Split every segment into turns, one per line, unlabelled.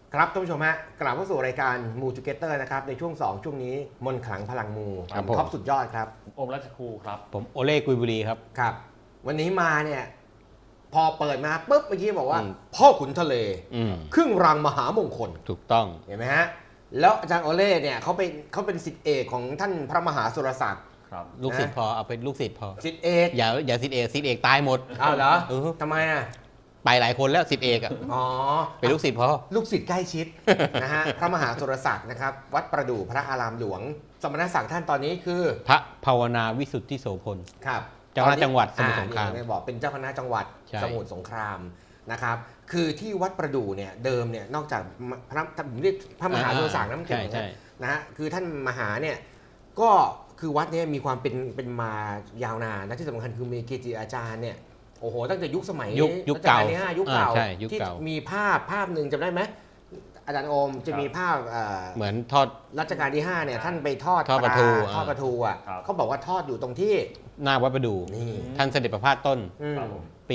ครับท่านผู้ชมฮะกลับเข้าสู่รายการมูจูเกเตอร์นะครับในช่วง2ช่วงนี้มนต์ขลังพลังมูท็อปสุดยอดครับ
อมราชครูครับ
ผมโอเล่กุยบุรีครับ
ครับวันนี้มาเนี่ยพอเปิดมาปุ๊บเมื่อกี้บอกว่าพ่อขุนทะเลครึ่งรังมหามงคล
ถูกต้อง
เห็นไหมฮะแล้วอาจารย์โอเล่เนี่ยเขาเป็นศิษย์เอกของท่านพระมหาสุรศักดิ์
ครับลูกศิษย์พอเอาเป็นลูกศิษย์พอ
ศิษย์เอก
อย่าศิษย์เอกตายหมด
อ้าวเหรอทำไมอ่ะ
ไปหลายคนแล้วศิษย์เอกอ่ะ
อ๋อ
เป็นลูกศิษย์พอ
ลูกศิษย์ใกล้ชิดนะฮะพระมหาสุรศักดิ์นะครับวัดประดู่พระอารามหลวงสมณศักดิ์ท่านตอนนี้คือ
พระภาวนาวิสุทธิโสพล
ครับ
เจ้าคณะจังหวัดสมุทรสงคราม
บอกเป็นเจ้าคณะจังหวัดสมุทรสงครามนะครับคือที่วัดประดู่เนี่ยเดิมเนี่ยนอกจากพระผมเรียกพระมหาสุรศักดิ์น้ำเก่งนะฮะคือท่านมหาเนี่ยก็คือวัดนี้มีความเป็นมายาวนานและที่สำคัญคือมีเกจิอาจารย์เนี่ยโอ้โหตั้งแต่ยุคสมัย
ยุคเก่า
ยุคเก่าที่มีภาพหนึ่งจำได้ไหมอาจารย์โอมจะมีภาพ
เหมือนทอด
รัชกาลที่5เนี่ยท่านไปทอด
ปลา
ทูอ่ะเขาบอกว่าทอดอยู่ตรงที่
หน้าวัดประดู่ท่านเสด็จประพาสต้นปี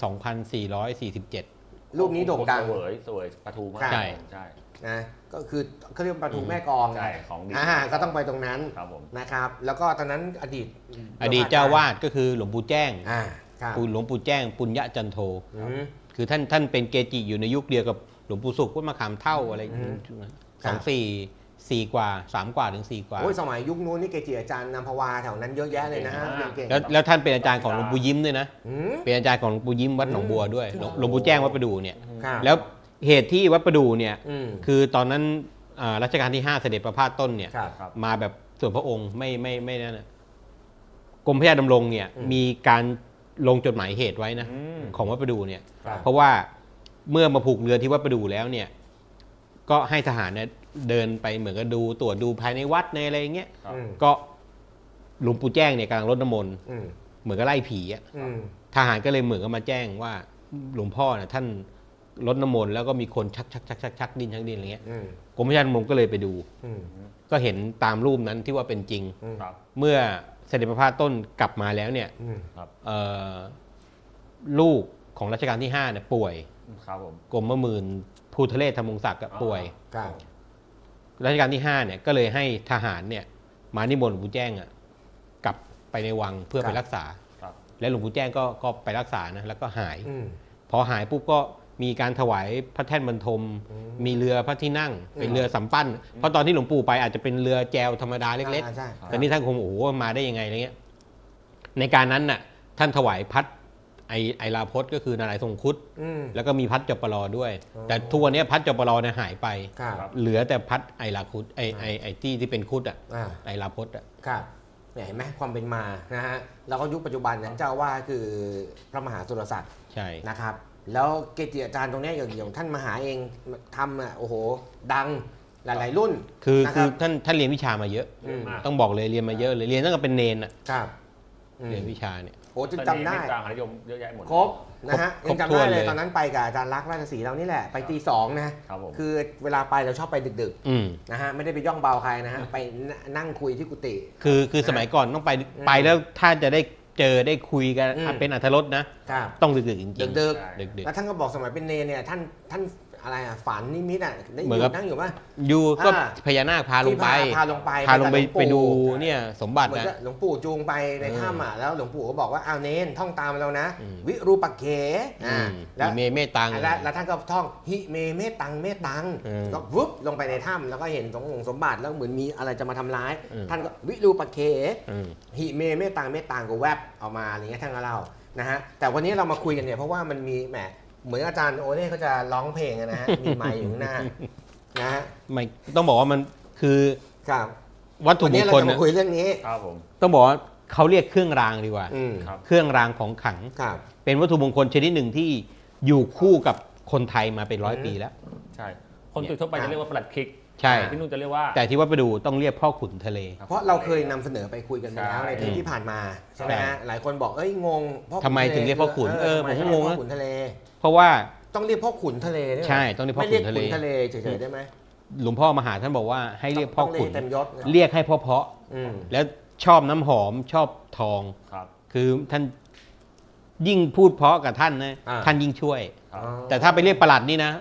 2447
รูปนี้โด่งดัง
สวยปลาทูมาก
ใช่
นะก็คือเขาเรียกปลาทูแม่กอง
ใช่ของดี
ก็ต้องไปตรงนั้นนะครับแล้วก็ตอนนั้นอดีต
เจ้าวาดก็คือหลวงปู่แจ้งหลวงปู่แจ้งปุญญจันโทคือท่านเป็นเกจิอยู่ในยุคเดียวกับหลวงปู่สุขวัดมะขามเท่าอะไร4 กว่า 3 กว่าถึง 4 กว่า
โอ้ยสมัยยุคนู้นนี่เกจิอาจารย์นำภาวาแถวนั้นเยอะแยะเลยนะฮะ
แล้วท่านเป็นอาจารย์ของหลวงปู่ยิ้มด้วยนะเป็นอาจารย์ของหลวงปู่ยิ้มวัดหนองบัวด้วยหลวงปู่แจ้งวัดประดู่เนี่ยแล้วเหตุที่วัดประดู่เนี่ยคือตอนนั้นรัชกาลที่5เสด็จประพาสต้นเนี่ยมาแบบส่วนพระองค์ไม่นั่นนะกรมพระยาดำรงเนี่ยมีการลงจดหมายเหตุไว้นะของวัดประดู่เนี่ยเพราะว่าเมื่อมาผูกเรือที่วัดประดู่แล้วเนี่ยก็ให้ทหารเนี่ยเดินไปเหมือนกับตรวจดูภายในวัดในอะไรอย่างเงี้ยก็หลวงปู่แจ้งเนี่ยกำลังรดน้ำมนต์เหมือนกับไล่ผีอ่ะทหารก็เลยเหมือนกับมาแจ้งว่าหลวงพ่อเนี่ยท่านรดน้ำมนต์แล้วก็มีคนชักดินอะไรเงี้ยกรมพระยาดำรงก็เลยไปดูก็เห็นตามรูปนั้นที่ว่าเป็นจริงเมื่อเสด็จประพาสต้นกลับมาแล้วเนี่ยลูกของรัชกาลที่5เนี่ยป่วยกรมหมื่นภูทะเลธรรมวงศ์ศักดิ์ป่วยรัชกาลที่5เนี่ยก็เลยให้ทหารเนี่ยมานิมนต์หลวงปู่แจ้งกลับไปในวังเพื่อไปรักษาและหลวงปู่แจ้งก็ไปรักษานะแล้วก็หายพอหายปุ๊บก็มีการถวายพระแท่นบรรทมมีเรือพระที่นั่งเป็นเรือสำปั้นเพราะตอนที่หลวงปู่ไปอาจจะเป็นเรือแจวธรรมดาเล็กๆแต่นี่ท่านคงโอ้โหมาได้ยังไงอะไรเงี้ยในการนั้นน่ะท่านถวายพัดไอลาพจน์ก็คือนารายณ์ทรงครุฑแล้วก็มีพัดจปรด้วยแต่ทุกวันนี้พัดจปรเนี่ยหายไปเหลือแต่พัดไอลาครุฑไอที่เป็นครุฑไอลาพจน์
ครับเห็นไหมความเป็นมานะฮะแล้วก็ยุคปัจจุบันนั้นเจ้าว่าคือพระมหาสุรศักดิ์
ใช่
นะครับแล้วเกจิอาจารย์ตรงนี้อย่างท่านมหาเองทำโอ้โหดังหลายๆรุ่น
คือท่านเรียนวิชามาเยอะต้องบอกเลยเรียนมาเยอะเลยเรียนตั้งแต่เป็นเนนเรียนวิชาเนี่ย
โอ้จนจำได้
ต่างนิยมเยอะแยะหมด
ครบนะฮะยังจำได้เลยตอนนั้นไปกับอาจารย์รักราชสีห์เรานี่แหละไปตี 2นะคือเวลาไปเราชอบไปดึกๆนะฮะไม่ได้ไปย่องเบาใครนะฮะไปนั่งคุยที่กุฏิ
คือสมัยก่อนต้องไปแล้วถ้าจะได้เจอได้คุยกันเป็นอรรถรสนะต้องดึกๆจริงๆ
ดึกแล้วท่านก็บอกสมัยเป็นเนรเนี่ยท่านอะไรฝันนิมิตได้อยู่นั่งอยู่ป่ะ
อยู่ก็พญานาคพาลงไปไปดูเนี่ยสมบัตินะ
หลวงปู่จูงไปในถ้ำแล้วหลวงปู่ก็บอกว่าเอาเนนท่องตามเรานะวิรูปักเข
แล้วเมตัง
แล้วท่านก็ท่องหิเมตังก็วุบลงไปในถ้ำแล้วก็เห็นสมบัติแล้วเหมือนมีอะไรจะมาทำร้ายท่านก็วิรูปักเขหิเมตังก็แวบออกมาอะไรเงี้ยท่านก็เล่านะฮะแต่วันนี้เรามาคุยกันเนี่ยเพราะว่ามันมีแหมเหมือนอาจารย์โอเล่เขาจะร้องเพลงนะฮะมีไมค์อยู่ข้างหน้านะฮะ
ไม่ต้องบอกว่ามันคือวัตถุมงคล
เราจะมาคุยเรื่องนี้
ครับผมต้องบอกว่าเขาเรียกเครื่องรางดีกว่าเครื่องรางของขลังเป็นวัตถุมงคลชนิดหนึ่งที่อยู่คู่กับคนไทยมาเป็น100 ปีแล้ว
ใช่คนทั่วไปจะเรียกว่าปลัดคิก
ใช่
ที่นู่นจะเรียกว่า
แต่ที่วัดประดู่ต้องเรียกพ่อขุนทะเล
เพราะเราเคยนำเสนอไปคุยกันแล้วในเทปที่ผ่านมาใช่ไหมฮะหลายคนบอกงง
ทำไมถึงเรียกพ่อขุน
ผมก็งงพ่อขุนทะเล
เพราะว่า
ต้องเรียกพ่อขุนทะเล
ใช่ต้องเรียกพ่อขุนทะเล
ไม่เรียกขุนทะเลเฉยๆได้ไหม
หลวงพ่อมหาท่านบอกว่าให้เรียกพ่อขุน
เต็มยศ
เรียกให้เพาะแล้วชอบน้ำหอมชอบทองคือท่านยิ่งพูดเพาะกับท่านนะท่านยิ่งช่วยแต่ถ้าไปเรียกประหลัดนี่นะ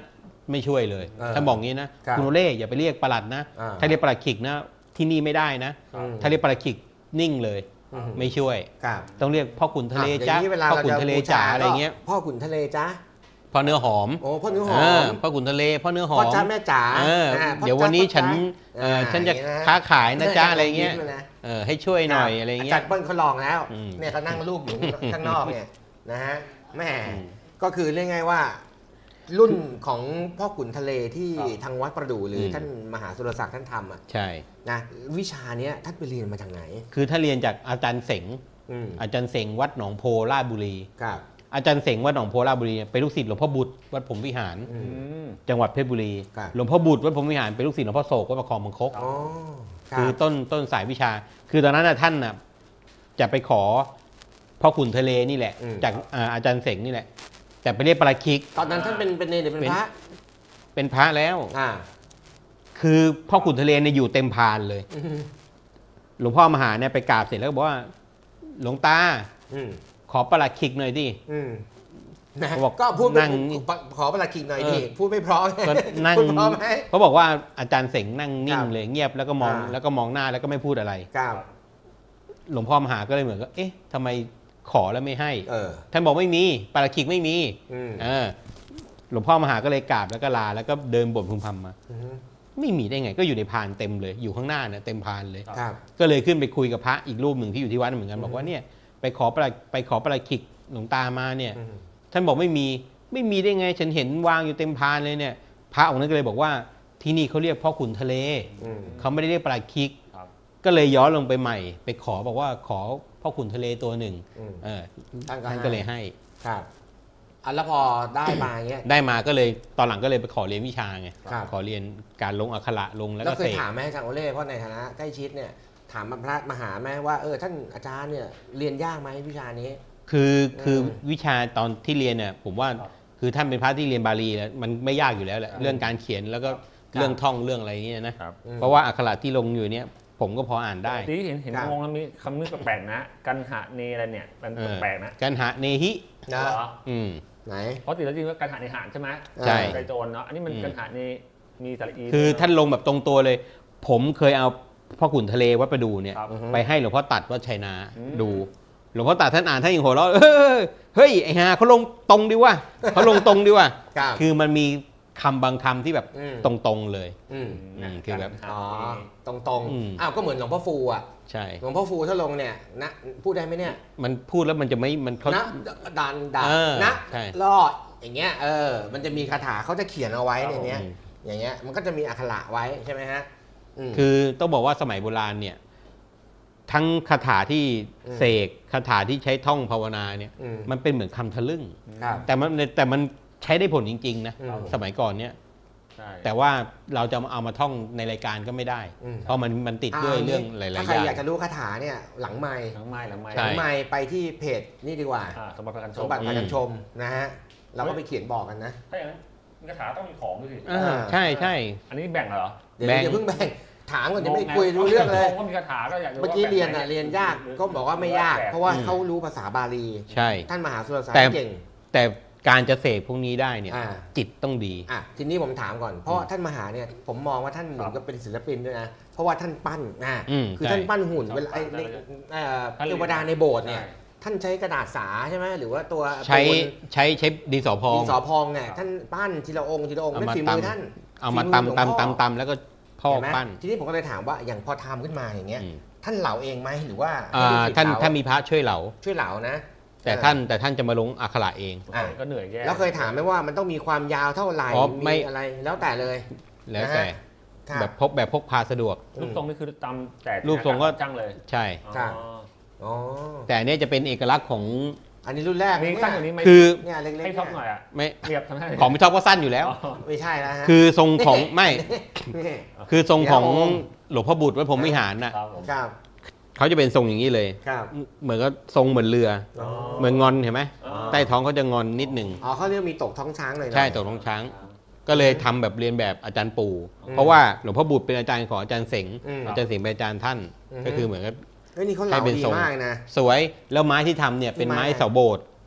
ไม่ช่วยเลยท่านบอกงี้นะครับ คุณโอเล่อย่าไปเรียกปลัดนะ ถ้าเรียกปลัดขิกนะที่นี่ไม่ได้นะ ถ้าเรียกปลัดขิกนิ่งเลยไม่ช่วย
ครับ
ต้องเรียกพ่อขุนทะเลจ้า
อย่างนี้เวลา
พ่อ
เรา
ขุน
จะ
ทะเล
บู
จ๋า
ชา
อะไรเงี้ย
พ่อขุนทะเลจ้า
พ่อเนื้อหอม
โอ้พ่อเนื้อหอม
พ่อขุนทะเลพ่อเนื้อหอ
พ่อ
ม
จ้าแม่จ๋า
เดี๋ยววันนี้ฉัน ฉันจะค้าขายนะจ้าอะไรเงี้ย
ยิ้มลนะ
ให้ช่วยหน่อยอะไรเงี้
จั
ย
ดเปิ้ลเขาลองแล้ว
อืม
เนี่ยเขานั่งรูปอยู่ข้างนอกเนี่ยนะฮะแม่ก็คือเรียกง่ายว่า รุ่นของพ่อขุนทะเลที่ทางวัดประดู่หรือท่านมหาสุรศักดิ์ท่านทำอ่ะ
ใช่
นะวิชาเนี้ยท่านไปเรียนมาจากไหน
คือถ้าเรียนจากอาจารย์เสง
อืม
อาจารย์เสงวัดหนองโพราชบุรี
ครับ
อาจารย์เสงวัดหนองโพราชบุรีเนี่ยเป็นลูกศิษย์หลวงพ่อบุตรวัดผมวิหาร
อืม
จังหวัดเพชรบุรี
ครับ
หลวงพ่อบุตรวัดผมวิหารเป็นลูกศิษย์หลวงพ่อโศกวัดประคองบังคก
อ๋อรับ
คือต้นสายวิชา คือตอนนั้นท่านน่ะจะไปขอพ่อขุนทะเลนี่แหละ จากอาจารย์เสงนี่แหละ แต่ไปเรียกปราชิก
ตอนนั้นท่านเป็นเนรหรือเป็นพระ
เป็นพระแล้ว
อ่า
คือพ่อขุนทะเลเนี่ยอยู่เต็มพานเลย
อืม
หลวงพ่อมหาเนี่ยไปกราบเสร็จแล้วก็บอกว่าหลวงตา
อืม
ขอปราชิกหน่อยดิ
อืมนะ
เขาบอก
ก็พูด
นั่ง
ขอประหลัดขิกหน่อยดิพูดไม่เพราะ
ก็นั่ง
พูดเพราะไหม
เขาบอกว่าอาจารย์เสงนั่งนิ่
ค
ง
รับ
เลยเงียบแล้วก็มอง
อ่า
แล้วก็มองหน้าแล้วก็ไม่พูดอะไร
ครับ
หลวงพ่อมหาก็เลยเหมือนกับเอ๊ะทำไมขอแล้วไม่ให้
เออ
ท่านบอกไม่มีปาราคิกไม่มี
อืม
หลวงพ่อมหาก็เลยกราบแล้วก็ลาแล้วก็เดินบ่นพึมพำมา
อืม
ไม่มีได้ไงก็อยู่ในพานเต็มเลยอยู่ข้างหน้าเนี่ยเต็มพานเลย
ครับ
ก็เลยขึ้นไปคุยกับพระอีกรูปหนึ่งที่อยู่ที่วัดเหมือนกันบอกว่าเนี่ยไปขอปาราคิกหลวงตามาเนี่ย
อืม
ท่านบอกไม่มีได้ไงฉันเห็นวางอยู่เต็มพานเลยเนี่ยพระองค์นั้นก็เลยบอกว่าที่นี่เขาเรียกพ่อขุนทะเล
อืม
เขาไม่ได้เรียกปลาคิก
ครับ
ก็เลยย้อนลงไปใหม่ ไปขอบอกว่าขอพ่อขุนทะเลตัวหนึ่ง
อืม
ท่า
ท่าน
นก็เลยให้
ครับอ่ะแล้วพอได้มาเงี้ย
ได้มาก็เลยตอนหลังก็เลยไปขอเรียนวิชาไง
ครับ
ขอเรียนการลงอักขระลงแล้ว
แล้ว
ก็
เค
เส
ย
ก
ถามไหมอาจารย์โอเล่เพราะในฐานะใกล้ชิดเนี่ยถามพระมหาไหมว่าท่านอาจารย์เนี่ยเรียนยากไหมวิชานี้
คือวิชาตอนที่เรียนเนี่ยผมว่าคือท่านเป็นพระที่เรียนบาลีแล้วมันไม่ยากอยู่แล้วแหละเรื่องการเขียนแล้วก็เรื่องท่องเรื่องอะไรเงี้ยนะครับ เพราะว่าอักขระที่ลงอยู่เนี่ยผมก็พออ่านได้
ที่เห็น
ครับ
งงแล้วมีคำนึกแปลกๆนะ กันหะเนอะไรเนี่ยมันแปลกๆนะ
กันหะเนหิ
นะ
เหรอ
อืม
ไหน
เพราะติดแล้วจริงว่ากันหะในหานใช่ไหม
ใช่
ไกโจรเนาะอันนี้มันกันหะในมีสระอี
คือท่านลงแบบตรงตัวเลย ผมเคยเอาพ่อขุนทะเลวัดประดูเนี่ย
ครับ
ไปให้หลวงพ่อตัดวัดชัยนา
อืม
ดู หลวงพ่อตัดท่านอ่านท่านยังหัวเราะเฮ้ยไอ้ห่าเขาลงตรงดีว่ะเขาลงตรงดีว่ะ
ครับ
คือมันมีคำบางคำที่แบบ
อืม
ตรงๆเลย
อืม
คือแบบ
อ๋อตรง
อืม
อ้าวก็เหมือนหลวงพ่อฟูอ่ะ
ใช่
หลวงพ่อฟูถ้าลงเนี่ยนะพูดได้ไหมเนี่ย
มันพูดแล้วมันจะไม่มันเขา
นะดัน
เออ
นะ
ใช่
รอดอย่างเงี้ยมันจะมีคาถาเขาจะเขียนเอาไว้ในเนี้ย
อืม
อย่างเงี้ยมันก็จะมีอักขระไว้ใช่ไหมฮะม
คือต้องบอกว่าสมัยโบราณเนี่ย ทั้งคาถาที่เสกคาถาที่ใช้ท่องภาวนาเนี่ย
อืม
มันเป็นเหมือนคำทะลึ่ง
ครับ
แต่มันใช้ได้ผลจริงๆนะ
อืม
สมัยก่อนเนี่ย
ใช่
แต่ว่าเราจะเอามาท่องในรายการก็ไม่ได้
อืม
เพราะมันติดด้วยเรื่องหลายๆอ
ถ้าใคร
ย่าง
อยากจะรู้คาถาเนี่ยหลังไม้
หลังไม้
ใช่
หลังไม้ไปที่เพจนี่ดีกว่า
สมบัติประกันช
ส
ม
มบัติพากันชมนะฮะเราก็ไปเขียนบอกกันนะ
ถ้าอย่างนั้นมีคาถาต้องมีของด้วยสิ
ใช่ใช่
อันนี้แบ่งเหรอ
เดี๋ยว
แบ่ง
อย่าเพิ่งแบ่งถามก่อนจะไม่คุยรู้เรื่องเลย
ก็มีคาถาก็อยาก
เมื่อกี้เรียนเรียนยากก็บอกว่าไม่ยาก เพราะว่า
อืม
เขารู้ภาษาบาลี
ใช่
ท่านมหาสุรศัก
แต่
ดิ์เก่ง
แต่การจะเสกพวกนี้ได้เนี่ย
อ่า
จิตต้องดี
ทีนี้ผมถามก่อนเพราะท่านมหาเนี่ยผมมองว่าท่านเหมือนกับเป็นศิลปินด้วยนะเพราะว่าท่านปั้นคือ
ใช่
ท่านปั้นหุ่นเวลาเทวดาในโบสถ์เนี่ยท่านใช้กระดาษสาใช่ไหมหรือว่าตัว
ใช้ดินสอพอ
ดิ
ง
นสอพองเนี่ยท่านปั้นทีละองค์ทีละองค์
เอา
นั่น
มา
ฝีมือท่าน
เอามา
ฝีมือหลวงพ่อ
ตำแล้วก็พอก
เห็นไหม
ปั้น
ทีนี้ผมก็เลยถามว่าอย่างพอทำขึ้นมาอย่างเงี้ย
อืม
ท่านเหลาเองไหมหรือว่า
ท่าน
ให้ลูกศิษย์
ท่านมีพระช่วยเหลา
ช่วยเหลานะ
แต่ท่านจะมาลงอักขระเอง
ก็เหนื่อยแย่
แล้วเคยถามไหมว่ามันต้องมีความยาวเท่าไหร่
อ๋อไม่
มีอะไรแล้วแต่เลย
แล้วแต่
ครับ
แบบพกพาสะดวก
รูปทรงนี่คือตามแต่
รูปทรงก็
จ้างเลย
ใช่
ครับ อ๋อ
แต่อันเนี้ยจะเป็นเอกลักษณ์ของ
อันนี้รุ่นแรก
มี
เนี่ย
ตั้งอย่างนี้ไหม
คือ
เนี่ยเล็กๆ
ให้
เนี่ย
ท็อปหน่อยอ่ะ
ไม่
เรียบทำให้
ของพี่ท็อปก็สั้นอยู่แล้ว
ไม่ใช่แล้วฮะ
คือทรงของไม่
นี่
คือทรงของ
เดี๋ยว
หลวงพ่อบุตรวัดพรหมวิหารน่ะ
ครับผม
ครับ
เขาจะเป็นทรงอย่างนี้เลย
ครับ
เหมือนก็ทรงเหมือนเรือ
อ๋อ
เหมือนงอนเห็นไหม
อ๋อ
ใต้ท้องเขาจะงอนนิดหนึ่ง
อ๋อเขาเรียกมีตกท้องช้างเลยนะ
ใช่ตกท้องช้าง ก็เลยทำแบบเรียนแบบอาจารย์ปู่ เพราะว่าหลวงพ่อบุตรเป็นอาจารย์ของอาจารย์เสง
อืม
อาจารย์เสงเป็นอาจารย์ท่าน
อืม
ก็คือเหมือนกับ
เฮ้ยนี่เขาเหลา
ให้เป็น
ดี
ทรง
มากนะ
สวยแล้วไม้ที่ทำเนี่ยเป็นไม้เสาโบสถ์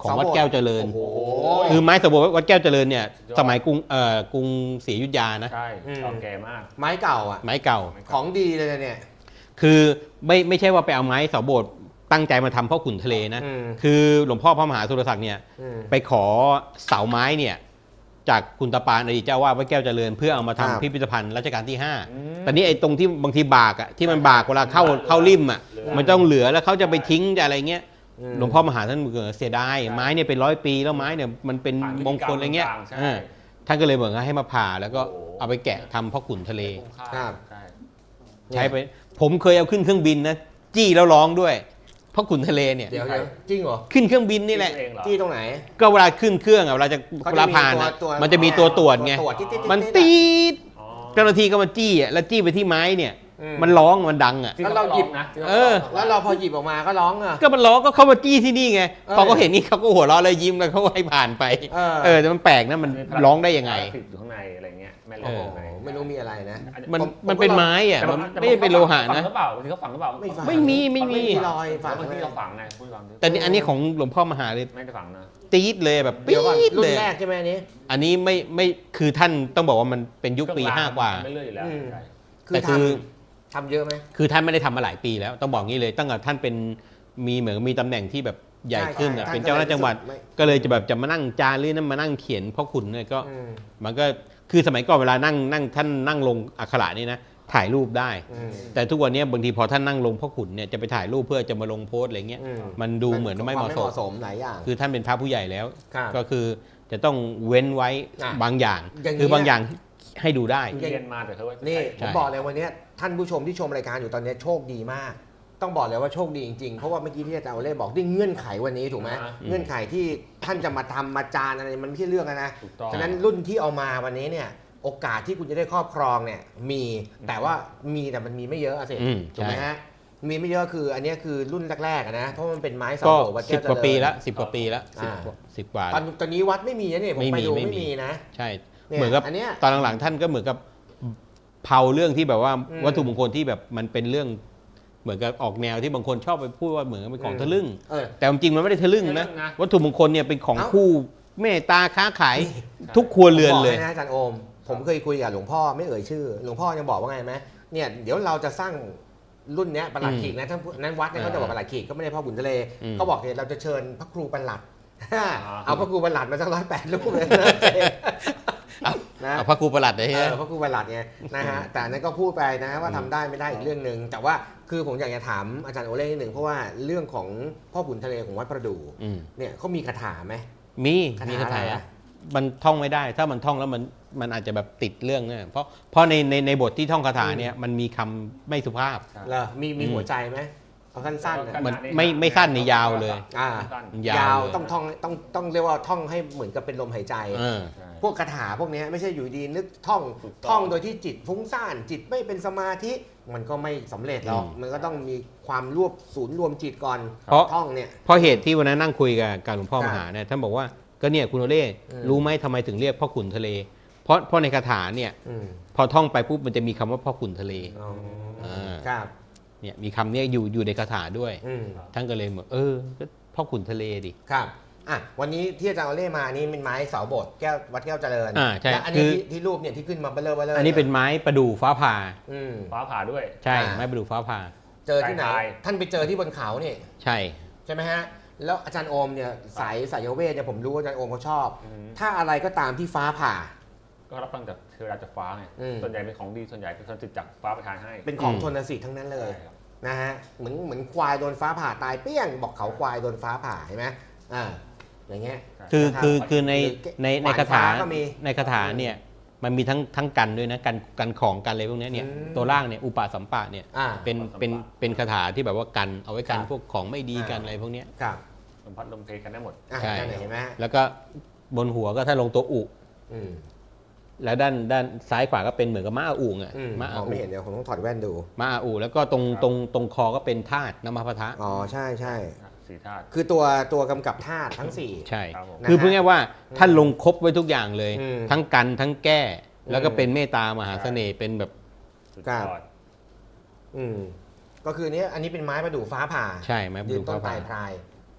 ของวัดแก้วเจริญ
โอ้โห
คือไม้สะโบดวัดแก้วเจริญเนี่ยสมัยกรุงศรีอยุธยานะ
ใช่เก่าแก่มาก
ไม้เก่าอ่ะ
ไม้เก่า
ของดีเลยนะเนี่ย
คือไม่ใช่ว่าไปเอาไม้เสาโบสถ์ตั้งใจมาทำพ่อขุนทะเลนะ
อืม
คือหลวงพ่อพระมหาสุรศักดิ์เนี่ย
อืม
ไปขอเสาไม้เนี่ยจากคุณตาปานอดีตเจ้าว่าวัดแก้วเจริญเพื่อเอามาทำ
ครับ
พิพิธภัณฑ์รัชกาลที่
อืม
5 ตอนนี้ไอ้ตรงที่บางทีบากอ่ะที่มันบากเวลาเข้าริมอ่ะ
เหลือ
มันต้องเหลือแล้วเขาจะไปทิ้งจะอะไรเงี้ย
อืม
หลวงพ่อมหาท่านเสียดายไม้เนี่ยเป็น100 ปีแล้วไม้เนี่ยมันเป็นมงคลอะไรเงี้ย
ใช่
ท่านก็เลยบอกว่าให้มาผ่าแล้วก็
โอ้โห
เอาไปแกะทำพ่อขุนทะเล
คุ้มค่า
ครับ
ใช่
ใช้ไปผมเคยเอาขึ้นเครื่องบินนะจี้แล้วร้องด้วยพ่อขุนทะเลเนี่ย
เดี๋ยวจริงเหรอ
ขึ้นเครื่องบินนี่แหละ
คิดเองเหรอ
ที่ตรงไหน
ก็เวลาขึ้นเครื่องอะเวลาจะ
เขา
เว
จะ
ลา
มี
ผ่านอะ
ตัว
มันจะมีตัวตรวจไง
ตรวจติ๊ดๆๆๆ
มันตีด
อ๋อ
เจ้าหน้าที่ก็มาจี้อะแล้วจี้ไปที่ไม้เนี่ย
อืม
มันร้องมันดังอะ
ที่
แล้วเราหยิบ
นะที่
เออ
แล้วเราพอหยิบออกมาก็ร้องอ่ะ
ก็มันร้องก็เข้ามาจี้ที่นี่ไง
เออ
พอเขาเห็นนี่เขาก็หัวเราะเลยยิ้มแล้วเขาให้ผ่านไป
เออ
แต่มันแปลกนะมันร้องได้ยังไง
ติดอยู่ข้างในอะไรเงี้ยแม่เหล็
โอ้
ก
โห
ข้างใน
ไม่รู้มีอะไรนะ
มัน
ผม
มันเป็นไม้อะ
แต่
มัน
แต่
ไม่ได้เป็นโลหะ
ฝัง
นะ
หรือเปล่าบางทีเขาฝังหรือเปล่า
ไม่ฝัง
ไม่มี
รอยฝัง
บางที
เลย
เราฝังไงพูดฟังดิ
แต่นี่อันนี้ของหลวงพ่อมหาเลย
ไม่ได้ฝังนะ
ตีดเลยแบบปี๊
เดี๋ยวก่อน
ด
รุ่
เล
น
ย
แรกใช่ไหมอันนี้
อันนี้ไม่คือท่านต้องบอกว่ามันเป็นยุคปี 5 กว่า
ไม่เลื่อยอยู่แล้ว
อืม
ใช่
คือ
แต่คือ
ทำเยอะไหม
คือท่านไม่ได้ทำมาหลายปีแล้วต้องบอกงี้เลยตั้งแต่ท่านเป็นมีเหมือนมีตำแหน่งที่แบบใหญ่ขึ้นอะ
ใช่
เป็นเจ้าหน้าที่จังหวัด
ไม่
ก็เลยจะแบบจะมานั่งจารึกนั่นมานั่งเขียนพ่อขุนเนี่ยก็
อืม
มันก็คือสมัยก่อนเวลานั่งท่านนั่งลงอักขระนี่นะถ่ายรูปได้
อืม
แต่ทุกวันนี้บางทีพอท่านนั่งลงพ่อขุนเนี่ยจะไปถ่ายรูปเพื่อจะมาลงโพสต์อะไรเงี้ย
อืม
มันดูเหมือนไม่เหมาะสม
สมหลายอย่าง
คือท่านเป็นพระผู้ใหญ่แล้ว
ครับ
ก็คือจะต้องเว้นไว้
อ่ะ
บางอย่าง
อย่างนี้
คือบางอย่างให้ดูได้
เรียนมาแต่เขาว่า
นี่
ใช่
ผมบอกเลยวันนี้ท่านผู้ชมที่ชมรายการอยู่ตอนนี้โชคดีมาก ต้องบอกเลยว่าโชคดีจริงๆ เพราะว่าเมื่อกี้ที่อาจารย์โอเล่บอกด้วยเงื่อนไขวันนี้ถูกไหมเงื่อนไขที่ท่านจะมาทำมาจานอะไรมันไม่ใช่เรื่องนะ
ถูกต้อง
ฉะนั้นรุ่นที่เอามาวันนี้เนี่ยโอกาสที่คุณจะได้ครอบครองเนี่ยมีแต่ว่ามีแต่มันมีไม่เยอะอะสิ
อืม
ถูกไหม
ใช่
ฮะมีไม่เยอะคืออันนี้คือรุ่นแรกๆอะนะเพราะมันเป็นไม้เสา
ก็
โบวัดแก้
สิ
ว
บ
เจริญ
กว่าปีละ10 กว่าปีละ
อ่า
สิบกว่า
ตอนนี้วัดไม่มีนะเนี่ยผม
ไม่
ไป
มี
ดู
ไม่
ไม่
มี
มีนะ
ใช่
เนี่ย
เหมือนกับ
อันเนี้ย
ตอนหลังๆท่านก็เหมือนกับเผาเรื่องที่แบบว่า
อืม
วัตถุมงคลที่แบบมันเป็นเรื่อง เหมือนกับออกแนวที่บางคนชอบไปพูดว่าเหมือนกับเป็นของทะลึ่ง
เออ
แต่จริงๆมันไม่ได้ทะลึ่งนะวัตถุมงคลเนี่ยเป็นของ
เอ้า
คู่เมตตาค้าขายทุกครัวเรือนเลย
ผมบอกให้นะอาจารย์โอม ผมเคยคุยกับหลวงพ่อไม่เอ่ยชื่อ หลวงพ่อยังบอกว่าไงไหมเนี่ยเดี๋ยวเราจะสร้างรุ่นเนี้ยประหลัดขีกนะท่านนั้นวัดเนี่ยเขาจะบอกประหลัดขีกก็ไม่ได้พ่อบุญทะเล
อืม
เขาบอกเนี่ยเราจะเชิญพระครูประหลัด เอาพระครูประหลัดมาสัก108 รูปเลยนะ
เอาพระครูประหลัดเลย
เอ
ฮะ
อพระครูประหลัดไงนะฮะแต่อันนั้นก็พูดไปนะว่าทำได้ไม่ได้อีกเรื่องหนึ่งแต่ว่าคือผมอยากจะถามอาจารย์โอเล่นิดหนึ่งเพราะว่าเรื่องของพ่อบุญทะเลของวัดประดู่
อืม
เนี่ยเขามีคาถาไหม
มี
คาถา
มีคาถา
อะไรอะ
มันท่องไม่ได้ ถ้ามันท่องแล้วมันอาจจะแบบติดเรื่องเนี่ยเพราะในบทที่ท่องคาถาเนี่ยมันมีคำไม่สุภาพ
เหรอมีหัวใจไหมเอาสั้นๆนะ
มันไม่สั้นในยาวเลย
อ่า
สั้น
ยาย
าว ว
เลย
ต้องเรียกว่าท่องให้เหมือนกับเป็นลมหายใจ
เออ
ใช่
พวกคาถาพวกเนี้ยไม่ใช่อยู่ดีนึกท่อง
ถูกต้อง
ท่องโดยที่จิตฟุ้งซ่านจิตไม่เป็นสมาธิมันก็ไม่สำเร็จหรอก
อืม
มันก็ต้องมีความรวบศูนย์รวมจิตก่อน
เพราะ
ท่องเนี่ย
เพราะเหตุที่วันนั้นนั่งคุยกับหลวงพ่อ
ครับ
มหาเนี่ยท่านบอกว่าก็เนี่ยคุณโอเล่
อืม
รู้ไหมทำไมถึงเรียกพ่อขุนทะเล เพราะในคาถาเนี่ย
อืม
พอท่องไปปุ๊บมันจะมีคำว่าพ่อขุนทะเล
อ๋อ
า
ครับ
เนี่ยมีคำเนี้ยอยู่ในคาถาด้วย
อืม
ท่านก็เลยบอกก็พ่อขุนทะเลดิ
ครับอ่ะวันนี้ที่อาจารย์เอาเล่มานี่เป็นไม้เสาโบสถ์แก้ววัดแก้วเจริญ
ใช่
และอันนี้
คือ
ที่รูปเนี่ยที่ขึ้นมาเบลอๆ
อันนี้เป็นไม้ประดู่ฟ้าผ่า
อืม
ฟ้าผ่าด้วย
ใช่
อ่า
ไม้ประดู่ฟ้าผ่า
เจอที่ไหน
ตาย
ท่านไปเจอที่บนเขาเนี่ย
ใช่
ใช่ไหมฮะ แล้วอาจารย์โอมเนี่ยสายเวทเนี่ยผมรู้ว่าอาจารย์โอมเขาชอบ
อืม
ถ้าอะไรก็ตามที่ฟ้าผ่า
ก็รับฟังจากเทวดาจากฟ้าไง
อืม
ส่วนใหญ่เป็นของดีส่วนใหญ่เป็นคนติดจากฟ้าประทานให้
เป็นของชนสิทธิ์ทั้งนั้นเลย
ใช่ครับ
นะฮะเหมือนควายโดนฟ้าผ่าตายเปี้ยงบอกเขาควายโดนฟ้าผ่าเห็นไหมอย่างเงี้ย
คือ
นะครับ
คือใน
ขวาน
คาถา
ฟ้าก็มี
ในคาถาเนี่ยมันมีทั้งกันด้วยนะกันของกันอะไรพวกเนี้ยเนี่ย
อืม
ตัวล่างเนี่ยอุปาสัมปะเนี่ย
อ่า
เป็นคาถาที่แบบว่ากันเอาไว้กัน
ครับ
พวกของไม่ดีกันอะไรพวกเนี้ย
ครับ
ลมพัดลมเพกันได้หมด
อ่ะ
ใช่
นั่นเห็นไหม
แล้วก็บนหัวก็ถ้าลงตัวอุ
อืม
แล้วด้านซ้ายขวาก็เป็นเหมือนกับม้าอาอู่อ่ะ
อืม
ม้าม อา
อง
อู่
ไม่เห็นเดี๋ยวผมต้องถอดแว่นดู
ม้าอาอู่แล้วก็ตรงคอก็เป็นธาตุน้ำมพะทะ
อ๋อใช่ใช่
สี่ธาตุ
คือตัวกำกับธาตุทั้ง 4
ใช่
ครับผม
นะฮะ
คือพูดง่ายๆว่าท่านลงครบไว้ทุกอย่างเลย
อืม
ทั้งกันทั้งแก้ แล้วก็
อืม
เป็นเมตตามหาเสน่ห์เป็นแบบ
สุด
ครั
ย
บ
อด
ก็คือเนี้ยอันนี้เป็นไม้ประดู่ฟ้าผ่า
ใช่ไหม
ยืนต้น
ฟ้า
ไต่พราย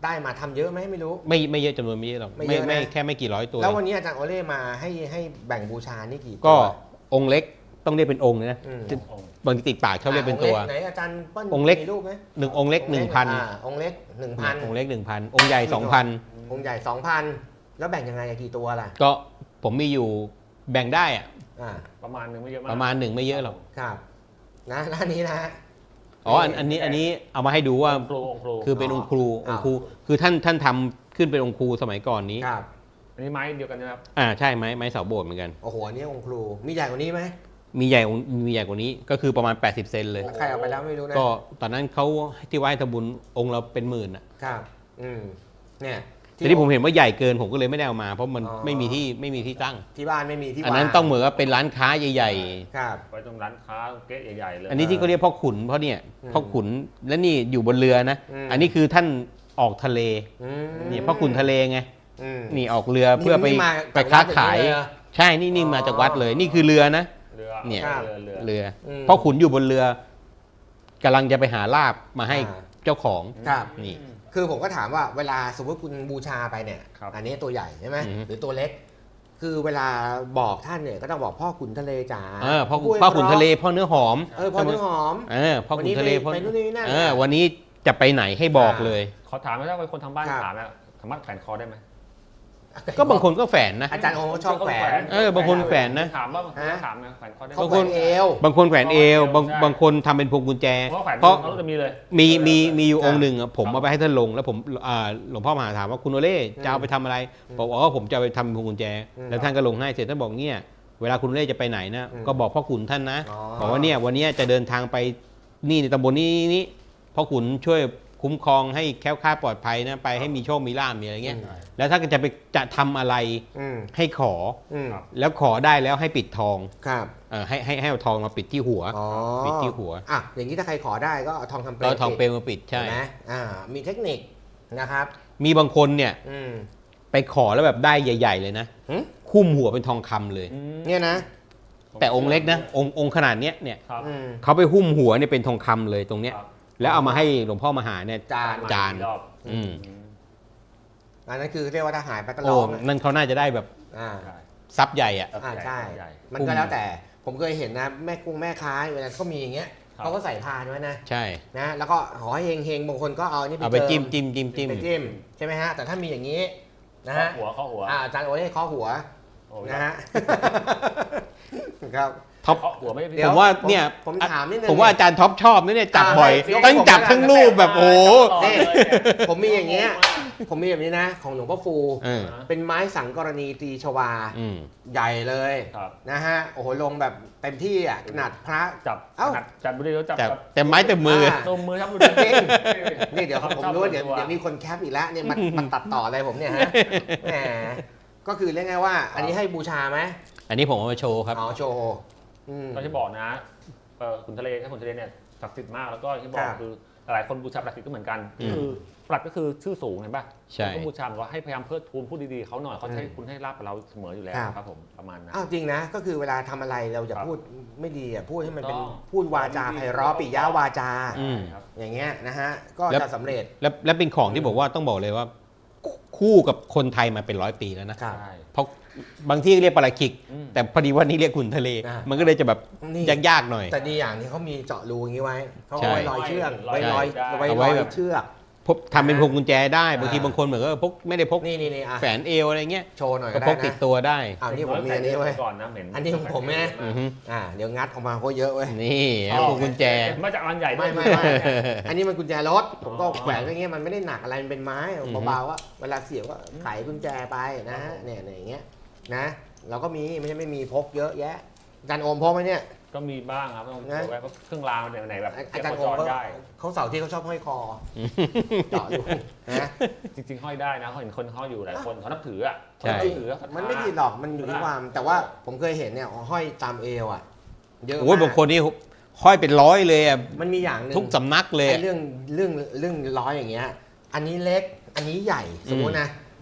ได้มาทำเยอะไหมไม่รู้
ไม่เยอะจำนวนไม่เยอะหรอก
ไม่เยอะนะ
ไม่แค่ไม่กี่ร้อยตัว
แล้ววันนี้อาจารย์โอเล่มาให้แบ่งบูชานี่กี่ตัว
ก็องค์เล็กต้องเรียกเป็นองค์นะ
อืม
บางทีติดปากชอบเรียกเป็นตัว
ไหนอาจารย์เปิ้ล
องค์เล็ก
มีรูปไหม
1 องค์เล็ก 1,000
องค์เล็ก 1,000
องค์เล็ก 1,000 องค์ใหญ่
องค์ใหญ่ 2,000 แล้วแบ่งยังไงอะกี่ตัวล่ะ
2,000 ก็ผมมีอยู่แบ่งได้อะ
อ่า
ประมาณนึงไม่เยอะมาก
ประมาณหนึ่งไม่เยอะหรอก
ครับนะด้านนี้นะ
อ๋ออันนี้เอามาให้ดูว่า
องค์ครู
คือเป็นองค์ครู
อ๋อ
องค์ครูคือท่านทำขึ้นเป็นองค์ครูสมัยก่อนนี้
ครับ
อันนี้ไม้เดียวกันนะครับ
ใช่ไม้เสาโบสถ์เหมือนกัน
โอ้โหอันนี้องค์ครูมีใหญ่กว่านี้ไหม
มีใหญ่กว่านี้ก็คือประมาณ80 เซนเลย
ใครเอาไปแล้วไม่รู้นะ
ก็ตอนนั้นเขาที่ไหว้ทำบุญองค์เราเป็นหมื่นอ่ะ
ครับเนี่ย
แต่ที่ผมเห็นว่าใหญ่เกินผมก็เลยไม่ได้เอามา เพราะมัน
อ๋อ
ไม่มีที่ตั้ง
ที่บ้านไม่มีที่
อันนั้น
วา
ต้องเหมือนกับเป็นร้านค้าใหญ่
ครับ
ไว้ตรงร้านค้าเก๊ะใหญ่ๆเลย
ๆ อันนี้ที่เขาเรียกพ่อขุนเพราะเนี่ย
อืม
พ่อขุนและนี่อยู่บนเรือนะ
อืม
อันนี้คือท่านออกทะเล
อืม
นี่พ่อขุนทะเลไง
อืม
นี่ออกเรือเพื่อไป
นี่มา
ไปค้า
จากวัด
ขาย
อย่างนี้เลยเหรอ
ใช่นี่มาจากวัดเลย นี่คือเรือนะ
เรือ
เนี่ย
ครับ
เรือ
พ่อขุนอยู่บนเรือกำลังจะไปหาลาบมาให้เจ้าของ
ครับ
นี่
คือผมก็ถามว่าเวลาสมมติคุณบูชาไปเนี่ย
ครับ
อันนี้ตัวใหญ่ใช่ไหม
อือฮึ
หรือตัวเล็ก คือเวลาบอกท่านเนี่ยก็ต้องบอกพ่อขุนทะเลจ๋า
พ่อขุนทะเลพ่อเนื้อหอม
พ่อเนื้อหอม
พ่อขุนทะเลพ่อ
ไปนู่นนี่นั่น
วันนี้จะไปไหนให้บอกเลย
ขอถามไหมถ้าเป็นคนทางบ้าน
ครับ
ถามนะสามารถแขวนคอได้ไหม
ก็บางคนก็แฝนนะ
อาจารย์โอชอบแขวน
บางคนแขวนนะ
ถามว่าถามนะแขวนคอได้ไหม
เขาแขวนเอว
บางคนแขวนเอว
ใช่
บางคนทำเป็นพวงกุญแจ
เพราะแขวน
เพราะ
เขาจะมีเลย
มีอยู่องค์หนึ่งอะผมเอาไปให้ท่านลงแล้วผมหลวงพ่อมหาถามว่าคุณโอเล่จะเอาไปทำอะไรบอกว่าผมจะเอาไปทำเป็นพวงกุญแจ แล้วท่านก็ลงให้เสร็จท่านบอกเนี่ยเวลาคุณโอเล่จะไปไหนนะก็บอกพ่อขุนท่านนะบอกว่าเนี่ยวันนี้จะเดินทางไปนี่ในตำบลนี้พ่อขุนช่วยคุ้มครองให้แคล้วคลาดปลอดภัยนะไปให้มีโชคมีลาภมีอะไรเงี้ยแล้วถ้าจะทำอะไร
อืม
ให้ขอ
อืม
แล้วขอได้แล้วให้ปิดทอง
ครับ
ให้เอาทองมาปิดที่หัว
อ๋อ
ปิดที่หัว
อ่ะอย่างนี้ถ้าใครขอได้ก็เอาทองคำเปล
ก็
ว
ทองเปลวมาปิดใช่
เห็นไหมมีเทคนิคนะครับ
มีบางคนเนี่ย
อืม
ไปขอแล้วแบบได้ใหญ่ ๆ เลยนะ
หึ
คุ้มหัวเป็นทองคำเลย
เนี่ยนะ
แต่องค์เล็กนะองค์ขนาดเนี้ยเนี่ย
ครับ
อืม
เขาไปหุ้มหัวเนี่ยเป็นทองคำเลยตรงเนี้ย
ครับ
แล้วเอามาให้หลวงพ่อมหาเนี่ย
จาน
รอบ
อืม
อันนั้นคือเรียกว่าถ้าหายไปก็
โอ้
ร้อง
นั่นเขาน่าจะได้แบบ
อ่า
ใช่
ทรัพย์ใหญ่อ่ะ
ใช่
ใหญ่
มันก็แล้วแต่ผมเคยเห็นนะแม่ค้าเวลาเขามีอย่างเงี้ย
ครับ
เขาก็ใส่พานไว้นะ
ใช่
นะแล้วก็ขอให้เฮงๆบางคนก็เอานี่
เอาไป
จิ
จิ้ม
ม
จิ้มจิ้มจิ้ม
ไปจิ้มใช่ไหมฮะแต่ถ้ามีอย่างนี้นะฮะ
เข้าหัว
อาจารย์โอเล่เคาะหัว
โอ้ย
นะฮะ ครับ
ท็อป
เข้าหัวไม่ได้
เดี๋ยว
ผมว่าเนี่ย
ผมถามนิดนึง
ผมว่าอาจารย์ท็อปชอบนะเนี่ยจับบ่อย
ยก
ทั้งจับ
ผม
ทั้งรูปแบบโอ้โห
นี่ ผมมีอย่างเงี้ย ผมมีแบบนี้นะ ของหลวงพ่อฟู
เออ
เป็นไม้สังกรณีตรีชวา
อืม
ใหญ่เลย
ครับ
นะฮะโอ้โหลงแบบเต็มที่อ่ะขนาดพระ
จับ
เอ้า
จับบุรีแล้วจับ
แต่เต็มไม้เต็มมือ
นมมือครับบุ
จริง นี่เดี๋ยวผมรู้ว่าเดี๋ยวมีคนแคปอีกแล้วเนี่ยมันตัดต่ออะไรผมเนี่ยฮะแหมก็คือเรียกง่ายว่า อันนี้ให้บูชาไหม
อันนี้ผมเอามาโชว์ครับ
อ๋อโชว์อืม
ก็ที่บอกนะขุนทะเลถ้าขุนทะเลเนี่ยศักดิ์สิทธิ์มากแล้วก็ที่บอ
ค
ก
รับ
คือหลายคนบูชาปลัดสิทธิ์ก็เหมือนกัน
อืม
คือปลัดก็คือชื่อสูงเห็นป่ะ
ใช่
ก็บูชาบอกว่าให้พยายามเพิดทูนพูดดีๆเขาหน่อยเขาจะให้คุณให้ลาบกับเราเสมออยู่แล้ว
ครับ
ครับผมประมาณนั้น
อ้าวจริงนะก็คือเวลาทำอะไรเราอย่า
ครับ
พูดไม่ดีอ่ะพูดให้มันเป็น
ต้อง
พูดวาจาไพเราะปิยะวาจา
อืม
ครับ
อย่างเงี้ยนะฮะก็
แล้ว
จะสำเร็จ
และเป็นของที่บอกว่าต้องบอกเลยว่า คู่กับคนไทยมาเป็น100 ปีแล้วนะ
ครับ
ใช่
เพราะบางที่เรียกปลาคิก
อืม
แต่พอดีว่านี่เรียกขุนทะเล
อ่ามั
มันก็เลยจะแบบ
นี่
ยากๆหน่อย
แต่ดีอย่างที่เขามีเจาะรูอย่างนี้ไว้เขา
ใช่
เอาไว้ลอยเชือก
ลอย
ไว้ลอย
ได้
ไว้
เอา
ล
ไว้
อย
แบบ
เชือก
ทำเป็นพวงกุญแจได้บางที
อ่า
บางคนเหมือนก็พกไม่ได้พก
นี่อ่ะ
แฝนเอวอะไรเงี้ย
โชว์หน่อย
ก็
ก็ได้
พกติด
นะ
ตัวได้
อ้าวนี่ผมมีอันนี้ไว้ย
ก่อนนะเหม็น
อันนี้ของผมนะ
อือฮึ
เดี๋ยวงัดออกมาก็เยอะเว้ย
นี่
ชอบ
พวงกุญแจ
มาจากอันใหญ่
ไม่ อันนี้มันกุญแจรถผมก็
อ๋อ
แขวนไว้อย่างเงี้ยมันไม่ได้หนักอะไรมันเป็นไม้
อือฮึ
เบาๆว่าเวลาเสียบก็ไขกุญแจไปนะฮะเนี่ยอย่างเงี้ยนะเราก็มีไม่ใช่ไม่มีพกเยอะแยะอาจารย์โอมพกไหมเนี่ย
ก็มีบ้างครับต้อง
นะ
เอาไว้เครื่องรางไหนแบบ
อาจารย์โอ
จ
ม
รได้
เขาเสาร์ที่เขาชอบห้อยคอเจาะอยู่นะ
จริงๆห้อยได้นะเขาเห็นคนห้อยอยู่หลายคนเขานับถืออ่ะ
ใช่
เขานับถือศรัทธา
มันไม่ผิดหรอกมันอยู่ที่ความแต่ว่าผมเคยเห็นเนี่ยห้อยตามเอวอ่ะเยอะ
โอ้ย
มาก
บางคนนี่ห้อยเป็น100เลยอ่ะ
มันมีอย่างหนึ่ง
ทุกสำนักเลย
ไอ้
อะ
เรื่องร้อยอย่างเงี้ยอันนี้เล็กอันนี้ใหญ่สมมตินะ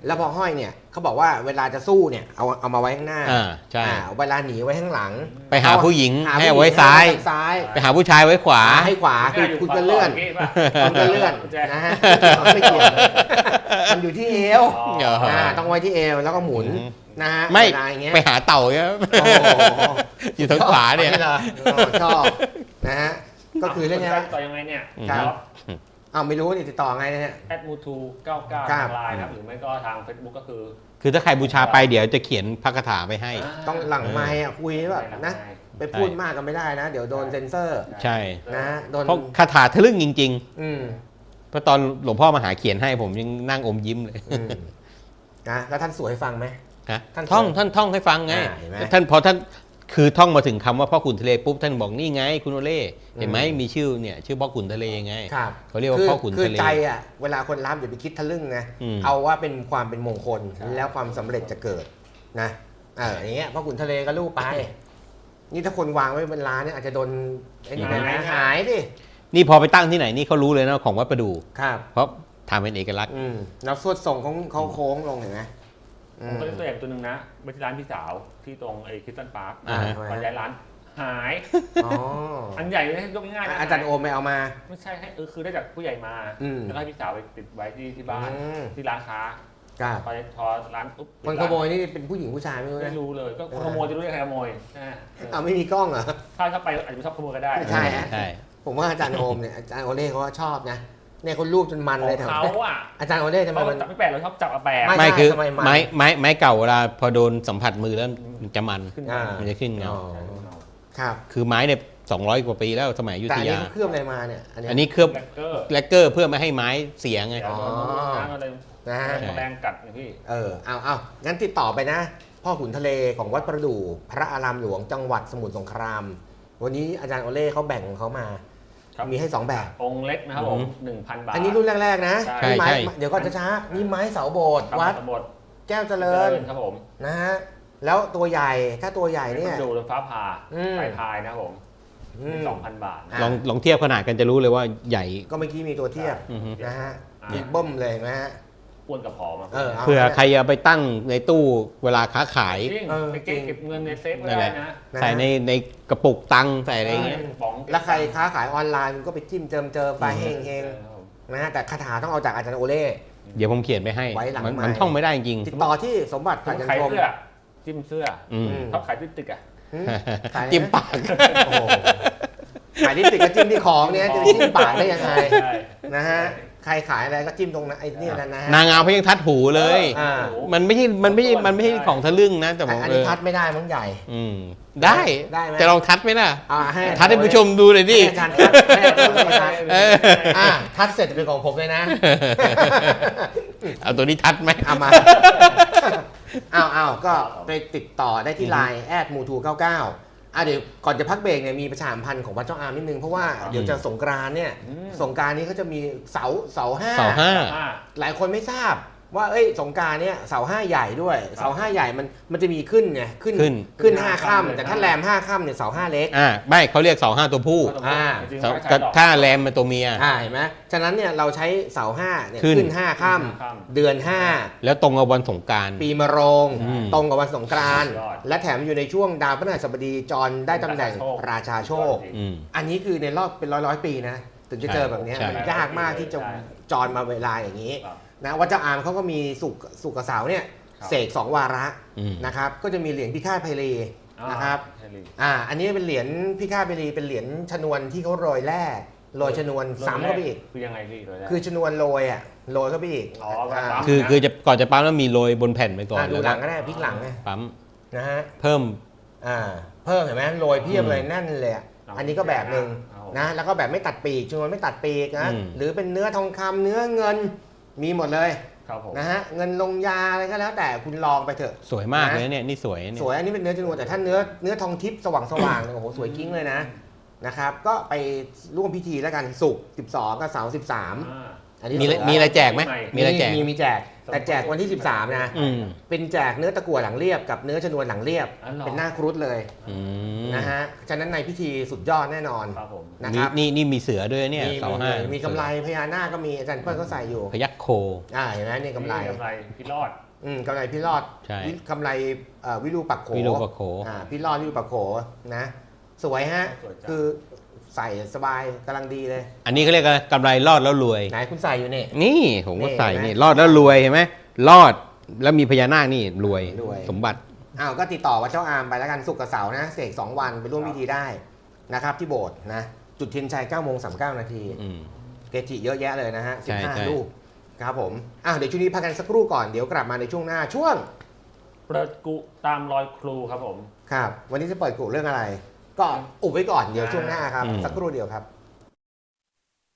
แล้วพอห้อยเนี่ยเขาบอกว่าเวลาจะสู้เนี่ยเอามาไว้ข้างหน้า
ใช่
เวลาหนีไว้ข้างหลัง
ไปหาผู้หญิง
หา
ให้เอาไว้ซ้าย
ซ้าย
ไปหาผู้ชายไว้ขวา
ให้ขวาคือคุณก็เลื่อนคุณก็เลื่อนนะฮะไม่เกี่ยวมันอยู่ที่เอว ต้องไว้ที่เอวแล้วก็หมุนนะฮะ
ไม่
เวลาอย่างเงี้ย
ไปหาเต่าเนี่ย
โอ้โห
อยู่ทางขวาเนี่ย
ชอบนะฮะก็คือเรื่องนี้
ต่อยังไงเนี่ย
ครับไม่รู้นี่ติดต่อไงเนี่ย
@mutu99 ทางไลน์ครับหรือไม่ก็ทาง Facebook ก็คือ
ถ้าใครบูชาไปเดี๋ยวจะเขียนพระคาถาไปให้
ต้องหลังไมค์คุยแบบนะไปพูดมากกันไม่ได้นะ เดี๋ยวโดนเซ็นเซอร์
ใช่
นะโดน
เพราะคาถาทะลึ่งจริง
ๆ
เพราะตอนหลวงพ่อมาหาเขียนให้ผมยังนั่งอมยิ้มเลย
นะแล้วท่านสวดให้ฟังไหม
ฮะ
ท่าน
ท่องให้ฟังไง
เห็นไหม
ท่านพอท่านคือท่องมาถึงคำว่าพ่อขุนทะเลปุ๊บท่านบอกนี่ไงคุณโอเล่เห็นไหมมีชื่อเนี่ยชื่อพ่อขุนทะเลไง
ครับ
เขาเรียกว่าพ่อขุน
คือ
ทะเล
ใจอ่ะเวลาคนรับอย่าไปคิดทะลึ่งนะ เอาว่าเป็นความเป็นมงคลแล้วความสำเร็จจะเกิดนะอย่างเงี้ยพ่อขุนทะเลก็ลูกไป นี่ถ้าคนวางไว้บนร้านเนี่ยอาจจะโดนไอ้นี่ไปนะหายดิ
นี่พอไปตั้งที่ไหนนี่เขารู้เลยนะของวัดประดู่
ครับ
เพราะทำเป็นเอกลักษณ์
แล้วสวดส่งของเขาโค้งลงเห็นไหม
ผมก็เล่นตัวอย่างตัวหนึ่งนะไปที่ร้านพี่สาวที่ตรงไอ้คริสตันพาร์ค ตอนย้ายร้านหาย อันใหญ่เลยให้ยกง่ายๆนะ
อาจารย์โอมไปเอามา
ไม่ใช่ให้คือได้จากผู้ใหญ่มาแล้วให้พี่สาวไปติดไว้ที่บ้านที่ร้านค้าพอร้านปุ๊บ
คนขโมยนี่เป็นผู้หญิงผู้ชายไม่รู้นะ
ไม่รู้เลยก็ขโมยจะรู้ได้ใครขโมย
ไม่มีกล้องเหรอ
ถ้าไปอาจจะชอบขโมยก็ได้
ใช่ผมว่าอาจารย์โอมเนี่ยอาจารย์โอเล่เขาชอบนะเนี่ยคนรูปจนมันเลยแถว
เขาอ่ะ
อาจารย์โอเล่ทำไมมัน
จับไม่แปลกเราชอบจับแปลก
ไม่คือไม้เก่าเวลาพอโดนสัมผัสมือแล้วมันจะมันจะขึ้นเงา
ครับ
คือไม้เนี่ย200 กว่าปีแล้วสมัยอยุ
แต่
ธ
อันนี้
ยา
เขาเคลือบอะไรมาเนี่ย
อันนี้เคลือบแลกเกอร์เพื่อไม่ให้ไม้เสียไง
นะฮะ
แรงกัดนะพี่
เอางั้นติดต่อไปนะ พ่อขุนทะเลของวัดประดู่พระอารามหลวงจังหวัดสมุทรสงครามวันนี้อาจารย์โอเล่เขาแบ่งของเขามามีให้2แบบ
องค์เล็กนะครับผม 1,000 บาท
อันนี้รุ่นแรกๆนะ
ใช่
ไม้เดี๋ยวก่อนช้าๆนี่ไม้เสาโบสถ์วัดแก้วเจริญ
ครับผม
นะฮะแล้วตัวใหญ่ถ้าตัวใหญ่เนี่ย
ดูเรือนฟ้าผ่าปลายพายนะครับผม 2,000 บาท
ลองเทียบขนาดกันจะรู้เลยว่าใหญ่
ก็เมื่อกี้มีตัวเทียบนะฮะมีเบิ้มเลยนะฮะ
อ้วนกับผอม
เผื่อใครจะไปตั้งในตู้เวลาค้าขาย
ไปเก็บเงินในเซฟก็ได้นะ
ใส่ในกระปุกตังค์ใส่อะไรเงี้ย
แล้วใครค้าขายออนไลน์ก็ไปจิ้มเจิมไปเฮงๆนะฮะแต่คาถาต้องเอาจากอาจารย์โอเล่
เดี๋ยวผมเขียนไปให้
ไว้หลัง
มันท่องไม่ได้จริง
ติดต่อที่สมบัติ
ขายเสื้อจิ้มเสื้อชอบขายติ๊กอ่ะ
จิ้มปาก
ขายลิปสติกก็จิ้มที่ของเนี่ยจะจิ้มปากได้ยังไงนะฮะใครขายอะไรก็จิ้มตรงนั้นไอ้นี่นั่นนะฮะ
นางงามเขายังทัดหูเลยมันไม่ใช่ของทะลึ่งนะแต่ผม
อันนี้ทัดไม่ได้มั้งใหญ่
ได้ไหมจะลองทัดไหมล่ะทัดให้ผู้ชมดูเลยดิ
อาจารย์ทัดเสร็จจะเป็นของผมเลยนะ
เอาตัวนี้ทัดไหม
เอามาเอาก็ไปติดต่อได้ที่ไลน์@mutu99เดี๋ยวก่อนจะพักเบรกเนี่ยมีประชาสัมพันธ์ของวัดเจ้าอามนิดนึงเพราะว่าเดี๋ยวจะสงกรานต์เนี่ยสงกรานต์นี้เขาจะมีเสาห้าหลายคนไม่ทราบว่าสงกรานต์เนี่ยเสาห้าใหญ่ด้วยเสาห้าใหญ่มันจะมีขึ้นไงขึ้น5 ค่ำแต่ถ้าแรม5 ค่ำเนี่ยเสาห้าเล็ก
ไม่เขาเรียกเสาห้าตัวผู้ถ้าแรมเป็นตัวเมีย
เห็นไหมฉะนั้นเนี่ยเราใช้เสาห้าเนี่ยขึ้น5 ค่ำเดือน5
แล้วตรงกับวันสงกรานต์
ปีมะโรงตรงกับวันสงกรานต์และแถมอยู่ในช่วงดาวพฤหัสบดีจรได้ตำแหน่งราชาโชคอันนี้คือในรอบเป็นร้อยปีนะถึงจะเจอแบบนี้มันยากมากที่จะจรมาเวลาอย่างนี้นะวัดเจ้าอามเขาก็มีสุกเสาเนี่ยเสก2 วาระนะครับก็จะมีเหรียญพิฆาตไพลีนะครับอันนี้เป็นเหรียญพิฆาตไพลีเป็นเหรียญชนวนที่เขาโรยแร่โรยชนวนซ้ำเข้าไปอีก
คือยังไงพี่
คือชนวนโรยโรยเข้าไปอีก
คือจะก่อนจะปั๊มแล้วมีโรยบนแผ่นไปก่อน
ดูหลังก็ได้พลิกหลังไง
ปั๊ม
นะฮะ
เพิ่ม
เห็นไหมโรยเพียบเลยแน่นเลยอันนี้ก็แบบนึงนะแล้วก็แบบไม่ตัดปีกชนวนไม่ตัดปีกนะหรือเป็นเนื้อทองคำเนื้อเงินมีหมดเลยนะฮะเงินลงยาอะไรก็แล้วแต่คุณลองไปเถอะ
สวยมากเลยเนี่ยนี่สวย
อันนี้เป็นเนื้อจรวดแต่ถ้าเนื้อทองทิพย์สว่างโอ้โหสวยกิ้งเลยนะครับก็ไปร่วมพิธีแล้วกันศุกร์12กับเสาร์13 อันนี้
มีอะไรแจกไหมมีอะไรแจก
มีแจกแต่แจกวันที่ 13 นะ เป็นแจกเนื้อตะกั่วหลังเรียบกับเนื้อชนวนหลังเรียบ เป็นหน้าครุฑเลยนะฮะฉะนั้นในพิธีสุดยอดแน่นอนนะครับ
นี่มีเสือด้วยเนี่ยเสาห้ามี
กำไรพญานาคก็มีอาจารย์เปิ้ลก็ใส่อยู่
พยัคฆ์โค
เห็นไหมนี่กำไร
พี่รอด
กำไรพี่รอด
ใช่
กำไรวิรูปักโข
วิรูปักโข
พี่รอดวิรูปักโขนะสวยฮะคือใส่สบายกำลังดีเลย
อันนี้เขาเรียกกำไรรอดแล้วรวย
ไหนคุณใส่อยู่นี่
นี่ผมก็ใส่
นี่
นี่รอดแล้วรวยเห็นไหมรอดแล้วมีพญานาคนี่รวย
รวย
สมบัติ
ก็ติดต่อวัดเจ้าอามไปแล้วกันศุกร์กับเสาร์นะเสก2 วันไปร่วมพิธีได้นะครับที่โบสถ์นะจุดเทียนชัย9:39 นาทีเกจิเยอะแยะเลยนะฮะ
ใช่
15 รูปครับผมเดี๋ยวช่วงนี้พักกันสักครู่ก่อนเดี๋ยวกลับมาในช่วงหน้าช่วง
เปิดกุตามรอยครูครับผม
ครับวันนี้จะเปิดกุเรื่องอะไร ก็อุบไว้ก่อนเดี๋ยวช่วงหน้าครับสักครู่เดียวครับ